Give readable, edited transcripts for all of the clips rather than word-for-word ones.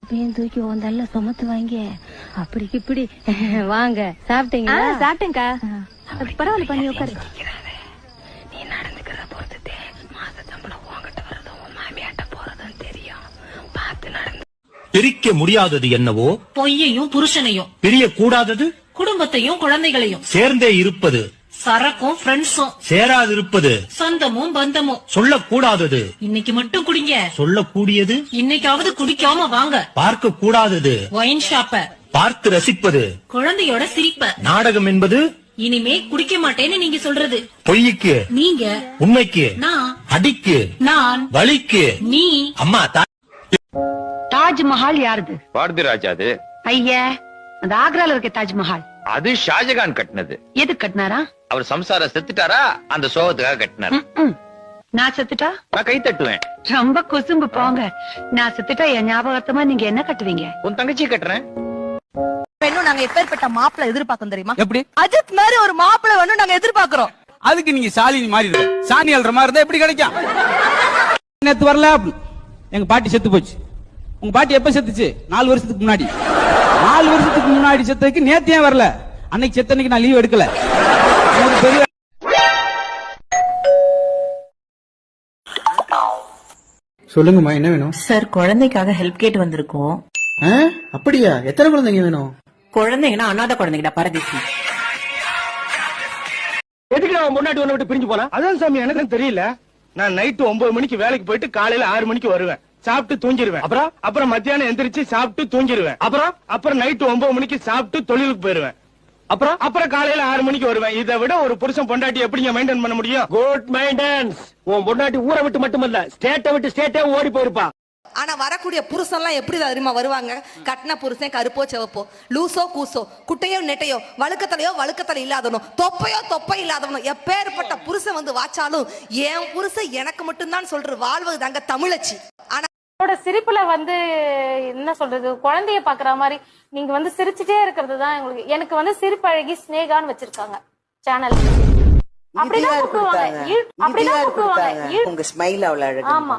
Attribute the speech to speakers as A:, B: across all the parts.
A: Pan தூக்கி வந்தால சுமத்து வாங்க அப்படிக்கு இப்படி வாங்க. சாப்பிட்டீங்களா?
B: சாப்பிட்டேங்கா. பரவாயில்ல, பண்ணி உட்காரு.
A: நீ நடந்துக்கிறத பொறுத்துட்டே மாச சம்பளம் உங்ககிட்ட வரதும் உன் மாமியாட்ட போறதும் தெரியும். பார்த்து நடந்து.
C: பிரிக்க முடியாதது என்னவோ
D: பொய்யையும் புருஷனையும்,
C: பிரியக்கூடாதது
D: குடும்பத்தையும் குழந்தைகளையும்,
C: சேர்ந்தே இருப்பது
D: சரக்கும் ஃப்ரெண்ட்ஸும்,
C: சேராதிருப்பது
D: சொந்தமும் பந்தமும்.
C: சொல்லக்கூடாதது
D: இன்னைக்கு மட்டும் குடிங்க,
C: சொல்லக்கூடியது
D: இன்னைக்காவது குடிக்காம வாங்க.
C: பார்க்க கூடாதது
D: ஒயின் ஷாப்ப,
C: பார்த்து ரசிப்பது
D: குழந்தையோட சிரிப்ப.
C: நாடகம் என்பது
D: இனிமே குடிக்க மாட்டேன்னு நீங்க சொல்றது.
C: பொய்க்கு
D: நீங்க,
C: உண்மைக்கு
D: நான்,
C: அடிக்கு
D: நான்,
C: வலிக்கு
D: நீ.
C: அம்மா
E: தாஜ்மஹால் யாருது?
F: பாரதி ராஜா. அது
E: ஐயா, அந்த ஆக்ரால இருக்க தாஜ்மஹால்
F: அது ஷாஜகான் கட்டினது.
E: எது கட்டினாரா?
F: அவர் சம்சாரம் செத்துட்டாரா, அந்த சோகத்துக்காக கட்டினார்.
E: நான் செத்துட்டா
F: நான் கை தட்டுவேன்.
E: ரொம்ப குசும்பு போங்க. நான் செத்துட்டா என் ஞாபகத்தமா நீங்க என்ன கட்டுவீங்க?
F: உன் தங்கச்சி கட்டுறேன்.
B: பெண்ணும் நாங்க எப்பேற்பட்ட மாப்பிள எதிர்பார்க்கோம் தெரியுமா?
G: எப்படி?
B: அஜித் மாதிரி ஒரு மாப்பிள வேணும் நாங்க எதிர்பார்க்கிறோம்.
G: அதுக்கு நீங்க சாலினி மாதிரி இருக்க, சாணி அல்ற மாதிரி இருந்தா எப்படி கிடைக்கும்? நேத்து வரல, எங்க பாட்டி செத்து போச்சு. உங்க பாட்டி எப்ப செத்துச்சு? 4 வருஷத்துக்கு முன்னாடி. 4 வருஷத்துக்கு முன்னாடி செத்ததுக்கு நேத்து ஏன் வரல? அன்னைக்கு செத்தன்னைக்கு நான் லீவ் எடுக்கல. பெரிய
H: சொல்லுங்கம்மா, என்ன வேணும்?
I: சார், குழந்தைக்காக ஹெல்ப் கேட்டு வந்திருக்கோம்.
H: அப்படியா? எத்தனை குழந்தைங்க வேணும்?
I: குழந்தைங்கன்னா அனாதை குழந்தைங்கடா, பரதேசி.
J: எதுக்கு நான் முன்னாடி ஒண்ணு விட்டு பிரிஞ்சு போனா? அதான் சாமி, எனக்கு தெரியல. நான் நைட்டு 9 மணிக்கு வேலைக்கு போயிட்டு காலையில 6 மணிக்கு வருவேன். சாப்பிட்டு தூங்கிடுவேன். அப்புறம் மத்தியானம் எந்திரிச்சு சாப்பிட்டு தூங்கிடுவேன். அப்புறம் நைட்டு 9 மணிக்கு சாப்பிட்டு தொழிலுக்கு போயிருவேன். அப்புறம் காலையில 6 மணிக்கு வருவேன். இதை விட ஒரு புருஷன் பொண்டாட்டி எப்படிங்க மெயின்டைன் பண்ண முடியும்? Good maintenance. உன் பொண்டாட்டி ஊரை விட்டு மட்டுமல்ல, ஸ்டேட்டை விட்டு ஸ்டேட்டே ஓடி போயிருப்பா.
B: ஆனா வரக்கூடிய புருஷன் எல்லாம் எப்படி தெரியுமா வருவாங்க? கட்டின புருஷன் கருப்போ செவப்போ, லூசோ கூசோ, குட்டையோ நெட்டையோ, வழுக்கத்தலை இல்லாதவனோ, தொப்பை இல்லாதவனோ, எப்பேற்பட்ட புருஷன் வந்து வாச்சாலும் என் புருஷன் எனக்கு மட்டும்தான் சொல்ற வாழ்வது தாங்க தமிழச்சி. ஆனா
K: சிரிப்புல வந்து என்ன சொல்றது, குழந்தைய பாக்குற மாதிரி நீங்க வந்து சிரிச்சுட்டே இருக்கிறது தான் எனக்கு வந்து சிரிப்பழகி ஸ்னேகான்னு வச்சிருக்காங்க சேனல். அப்படிதான் கூப்பிடுவாங்க.
I: உங்க ஸ்மைல் அவ்வளவு அழகா.
K: ஆமா,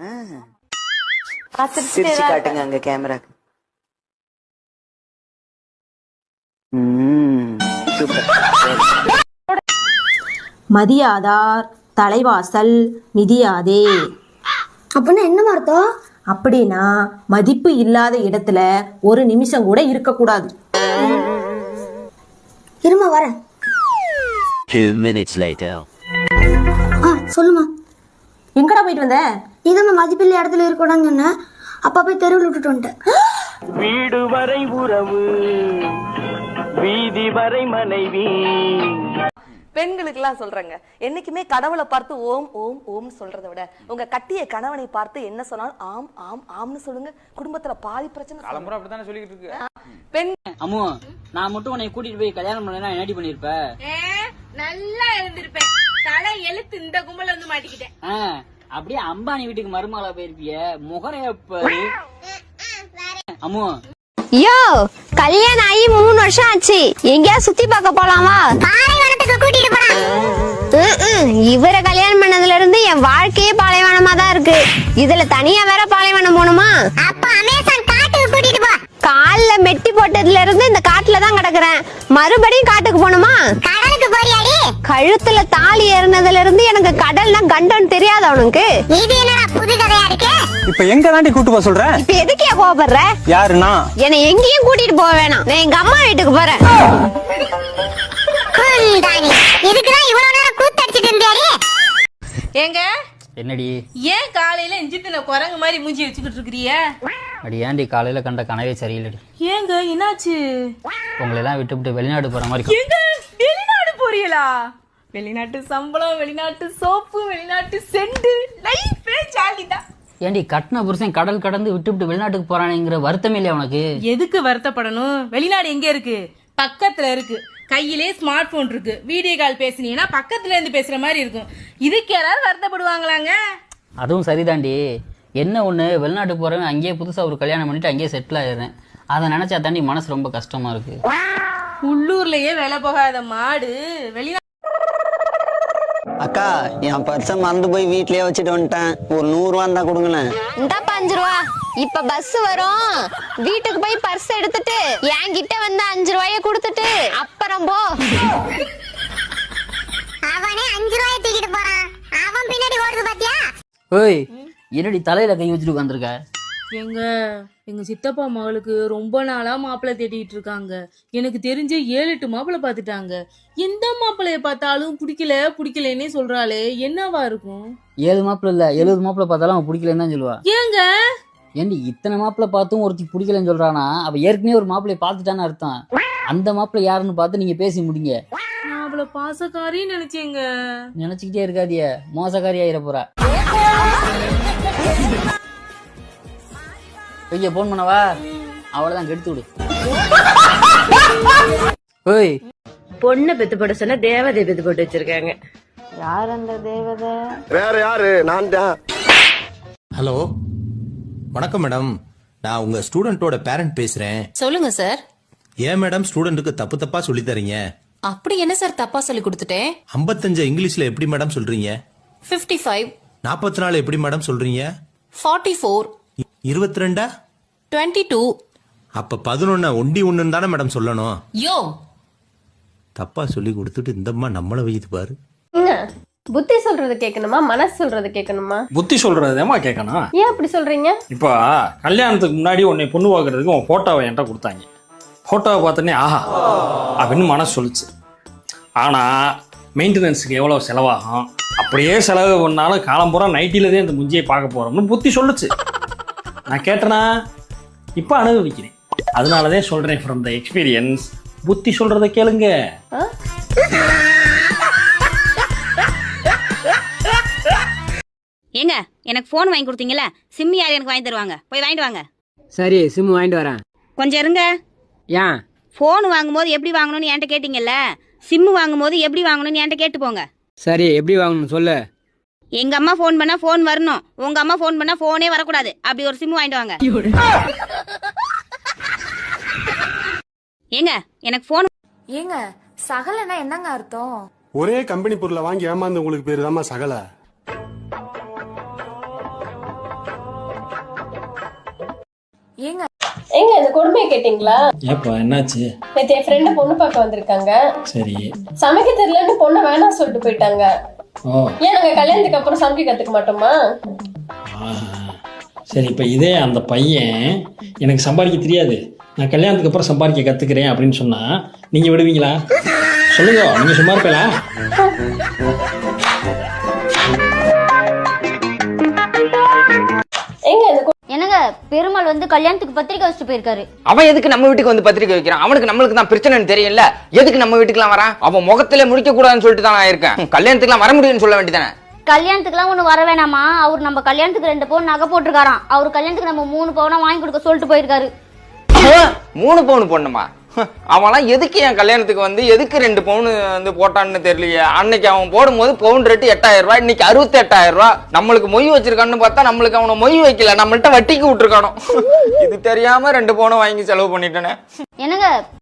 I: சிரிச்சு காட்டுங்க அங்க கேமராக்கு.
L: மதியாதார் தலைவாசல் மிதியாதே.
A: அப்படின்னா என்ன அர்த்தம்?
L: அப்படின்னா மதிப்பு இல்லாத இடத்துல ஒரு நிமிஷம் கூட இருக்கக்கூடாது.
A: இருமா வரேன்.
M: 2 minutes later.
A: சொல்லுமா,
L: எங்கடா போயிட்டு வந்த?
A: இதான் மதிப்பில்ல இடத்துல இருக்கக்கூடாதுன்னு சொன்ன. அப்பா போய் தெருவில் விட்டுட்டு வந்துட்டேன்.
J: வீடு வரை உறவு, வீதி வரை மனைவி.
B: பெண்களுக்கு எல்லாம் சொல்றாங்க, என்னைக்குமே கடவுளை பார்த்து ஓம் ஓம் ஓம் சொல்றதை விட உங்க கட்டிய கணவனை பார்த்து என்ன சொன்னாலும் ஆம் ஆம் ஆம்னு சொல்லுங்க. குடும்பத்துல பாதி பிரச்சனை
G: தலைமுறை அப்படித்தானே சொல்லிட்டு இருக்கு.
B: பெண்
I: அம்மு, நான் மட்டும் உன்னை கூட்டிட்டு போய் கல்யாணம் பண்ணா என்னடி பண்ணிருப்ப?
K: நல்லா இருந்திருப்பேன். தலை எழுத்து இந்த கும்பல வந்து மாட்டிக்கிட்டேன்.
I: அப்படியே அம்பானி வீட்டுக்கு மருமகளா போயிருப்பிய. முகரையப்ப அம்மு.
K: யோ, கல்யாணம் ஆகி 3 வருஷம் ஆச்சு. எங்கயா சுத்தி பார்க்க போலாமா? பாலைவனத்துக்கு கூட்டிட்டு போறேன். இவரை கல்யாணம் பண்ணதுல இருந்து என் வாழ்க்கையே பாலைவனமா தான் இருக்கு. இதுல தனியா வேற பாலைவனம் போகணுமா? அப்ப அமேசான் காட்டுக்கு கூட்டிட்டு போ. கால்ல மெட்டி போட்டதுல இருந்து இந்த காட்டுல தான் கிடக்குறேன். மறுபடியும் காட்டுக்கு போகணுமா? கடலுக்கு போறியாடி? கழுத்துல தாலி ஏறினதுல இருந்து எனக்கு கடல்னா கண்டோன்னு தெரியாது அவனுக்கு. இது என்னடா புது கதையா இருக்கு?
G: இப்ப எங்க தாண்டி கூட்டு போக சொல்ற?
K: இப்ப எதுக்கே கோபப்படுற?
G: யாருன்னா?
K: என்னை எங்கேயும் கூட்டிட்டு போக வேணாம். நான் எங்க அம்மா வீட்டுக்கு போறேன். இதுக்குதான் இவ்வளவு நேரம் கூத்தடிச்சிட்டு இருந்தியாடி?
I: ஏங்க என்னடி,
K: ஏன் காலையில இஞ்சித்தின குரங்கு மாதிரி மூஞ்சி வச்சுக்கிட்டு இருக்கிறிய?
I: அடி ஏன்டி காலையில கண்ட கனவே சரியில்லடி.
K: ஏங்க என்னாச்சு?
I: உங்களை எல்லாம் விட்டு வெளிநாடு போற மாதிரி.
K: எங்க வெளிநாடு போறீங்களா? வெளிநாட்டு சம்பளம், வெளிநாட்டு சோப்பு, வெளிநாட்டு செண்டு, லைஃபே ஜாலிதான்.
I: ஏன்டி கட்டின புருஷன் கடல் கடந்து விட்டு வெளிநாட்டுக்கு போறானேங்கிற வருத்தம் இல்லையா உனக்கு?
K: எதுக்கு வருத்தப்படணும்? வெளிநாடு எங்க இருக்கு? பக்கத்துல இருக்கு. கையிலே ஸ்மார்ட் போன் இருக்கு. வீடியோ கால் பேசுனீங்கன்னா பக்கத்துல இருந்து பேசுற மாதிரி இருக்கும். இதுக்கு யாராவது வருத்தப்படுவாங்களாங்க?
I: அதுவும் சரிதாண்டி. என்ன ஒண்ணு, வெளிநாட்டுக்கு போறவன் அங்கேயே புதுசா ஒரு கல்யாணம் பண்ணிட்டு அங்கேயே செட்டில் ஆயிடுறேன். அதை நினைச்சா தாண்டி மனசு ரொம்ப கஷ்டமா இருக்கு.
K: உள்ளூர்லயே வேலை போகாத மாடு வெளிநாடு
N: அக்கா என் பர்ஸ மறந்து போய் வீட்லயே வச்சுட்டு வந்துட்டேன். ஒரு 100 ரூபா இருந்தா கொடுங்களேன்.
K: இந்தாப்பா 5 ரூபா. இப்ப பஸ் வரும், வீட்டுக்கு போய் பர்ஸ் எடுத்துட்டு என்கிட்ட வந்து 5 ரூபாய கொடுத்துட்டு அப்புறம் போ. அவனே 5 ரூபாய தூக்கிட்டு போறான், அவன் பின்னாடி ஓடுது பாத்தியா?
I: ஓய் என்னடி தலையில கை வச்சுட்டு உட்காந்துருக்க?
D: எங்க சித்தப்பா மகளுக்கு ரொம்ப நாளா மாப்பிள்ளை தேடிட்டு இருக்காங்க. எனக்கு தெரிஞ்சு 7-8 மாப்பிள்ளை பாத்துட்டாங்க. எந்த மாப்பிள்ளைய பார்த்தாலும் பிடிக்கலன்னே சொல்றாளே, என்னவா இருக்கும்?
I: 7 மாப்பிள்ளை இல்ல 70 மாப்பிள்ளை பார்த்தாலும் அவன் பிடிக்கலன்னு தான் சொல்லுவா.
D: ஏங்க
I: ஏண்டி இத்தனை மாப்பிள்ளை பார்த்தும் ஒருத்தி பிடிக்கலன்னு சொல்றானா? அவ ஏற்கனவே ஒரு மாப்பிள்ளைய பார்த்துட்டான்னு அர்த்தம். அந்த மாப்பிள்ளை யாருன்னு பார்த்து நீங்க பேசி முடிங்க.
D: நான் அவளை பாசக்காரின்னு நினைச்சேங்க.
I: நினைச்சுக்கிட்டே இருக்காதிய, மோசக்காரி ஆயிர போறா. ஐயா போன் பண்ணவா? அவளதான் கெடுத்து விடு. ஓய்
E: பொண்ணு பெத்து போட சொன்னா தேவதை பெத்து போட்டு வச்சிருக்காங்க.
L: யார் அந்த தேவதை?
J: வேற யாரு? நான் தான்.
C: ஹலோ வணக்கம் மேடம், நான் உங்க ஸ்டூடெண்டோட பேரண்ட் பேசுறேன்.
D: சொல்லுங்க சார்.
C: ஏன் மேடம் ஸ்டூடெண்ட்டுக்கு தப்பு தப்பா சொல்லி தரீங்க?
D: அப்படி என்ன சார் தப்பா சொல்லி கொடுத்துட்டேன்?
C: 55 இங்கிலீஷ்ல எப்படி மேடம் சொல்றீங்க?
D: 55
C: 44 எப்படி மேடம் சொல்றீங்க?
D: 44
C: 22
D: 22
C: அப்ப 11 ஒண்டி ஒண்ணுன்னு தானே மேடம் சொல்லணும்.
D: யோ
C: தப்பா சொல்லி கொடுத்துட்டு இந்தம்மா நம்மள வைத்து பாரு.
K: புத்தி சொல்றது கேட்கணுமா, மனசு சொல்றது கேட்கணுமா?
G: புத்தி சொல்றதேமா கேட்கணும்.
K: ஏன் அப்படி சொல்றீங்க?
G: இப்போ கல்யாணத்துக்கு முன்னாடி உன்னை பொண்ணு பார்க்கறதுக்கு உன் போட்டோவை என்கிட்ட கொடுத்தாங்க. போட்டோவை பார்த்தோன்னே ஆஹா அப்படின்னு மனசு சொல்லிச்சு. ஆனால் மெயின்டெனன்ஸுக்கு எவ்வளோ செலவாகும், அப்படியே செலவு பண்ணாலும் காலம்பூரா நைட்டிலதே இந்த முஞ்சியை பார்க்க போகிறோம்னு புத்தி சொல்லுச்சு. நான் கேட்டேனா இப்போ அனுபவிக்கிறேன். அதனாலதான் சொல்கிறேன் ஃப்ரம் த எக்ஸ்பீரியன்ஸ், புத்தி சொல்கிறத கேளுங்க.
A: ஏங்க எனக்கு போன் வாங்கி கொடுத்தீங்கல்ல, சிம் யார் எனக்கு வாங்கி தருவாங்க? போய் வாங்கிட்டு வாங்க.
N: சரி சிம் வாங்கிட்டு வரேன்.
A: கொஞ்சம் இருங்க.
N: ஏன்?
A: போன் வாங்கும்போது எப்படி வாங்கணும்னு என்கிட்ட கேட்டீங்கல்ல, சிம் வாங்கும்போது எப்படி வாங்கணும்னு என்கிட்ட கேட்டு போங்க.
N: சரி எப்படி வாங்கணும் சொல்லு.
A: எங்க அம்மா போன் பண்ணா போன் வரணும், உங்க அம்மா போன் பண்ணா போனே வரக்கூடாது. அப்படி ஒரு சிம் வாங்கிட்டு வாங்க. ஏங்க எனக்கு போன்.
D: ஏங்க சகலனா என்னங்க அர்த்தம்?
J: ஒரே கம்பெனி பொருளை வாங்கி ஏமாந்து உங்களுக்கு பேரு தாமா சகல.
D: ஏங்க
K: இந்த கொடுமையை கேட்டீங்களா?
G: ஏப்பா என்னாச்சு?
K: நேத்து என் ஃப்ரெண்டு பொண்ணு பார்க்க வந்திருக்காங்க.
G: சரி.
K: சமைக்க தெரியலன்னு பொண்ணு வேணாம் சொல்லிட்டு போயிட்டாங்க.
G: ஓ
K: ஏன் நாங்க கல்யாணத்துக்கு அப்புறம் சமைக்க கத்துக்க மாட்டோமா?
G: சரி, இப்போ இதே அந்த பையன் எனக்கு சம்பாதிக்க தெரியாது, நான் கல்யாணத்துக்கு அப்புறம் சம்பாதிக்க கத்துக்கிறேன் அப்படின்னு சொன்னா நீங்க விடுவீங்களா? சொல்லுங்க, நீங்க சும்மா இருப்பீங்களா?
K: என்னங்க பெருமாள் வந்து கல்யாணத்துக்கு பத்திரிக்கை வச்சுட்டு போயிருக்காரு.
N: அவன் எதுக்கு நம்ம வீட்டுக்கு வந்து பத்திரிக்கை வைக்கிறான்? அவனுக்கு நம்மளுக்கு தான் பிரச்சனைன்னு தெரியல. எதுக்கு நம்ம வீட்டுக்குலாம் வரான்? அவன் முகத்திலே முடிக்க கூடாதுன்னு சொல்லிட்டு தான் நான் இருக்கேன். கல்யாணத்துக்குலாம் வர முடியும்னு சொல்ல வேண்டியதானே?
K: கல்யாணத்துக்குலாம் ஒண்ணு வர வேணாமா? அவர் நம்ம கல்யாணத்துக்கு 2 பவுன் நகை போட்டிருக்காராம். அவர் கல்யாணத்துக்கு நம்ம 3 பவுனா வாங்கி கொடுக்க சொல்லிட்டு போயிருக்காரு.
N: 3 பவுன் பொண்ணுமா? அவன்லாம் எதுக்கு என் கல்யாணத்துக்கு வந்து எதுக்கு 2 பவுன் வந்து போட்டான்னு தெரியலையே. அன்னைக்கு அவன் போடும்போது பவுன் ரேட்டு 8000 ரூபாய், இன்னைக்கு 68,000 ரூபாய். நம்மளுக்கு மொய் வச்சிருக்கான்னு பார்த்தா நம்மளுக்கு அவனை மொய் வைக்கல, நம்மள்ட்ட வட்டிக்கு விட்டுருக்கானோ. இது தெரியாம 2 பவுன் வாங்கி செலவு பண்ணிட்டேனே.
K: என்னங்க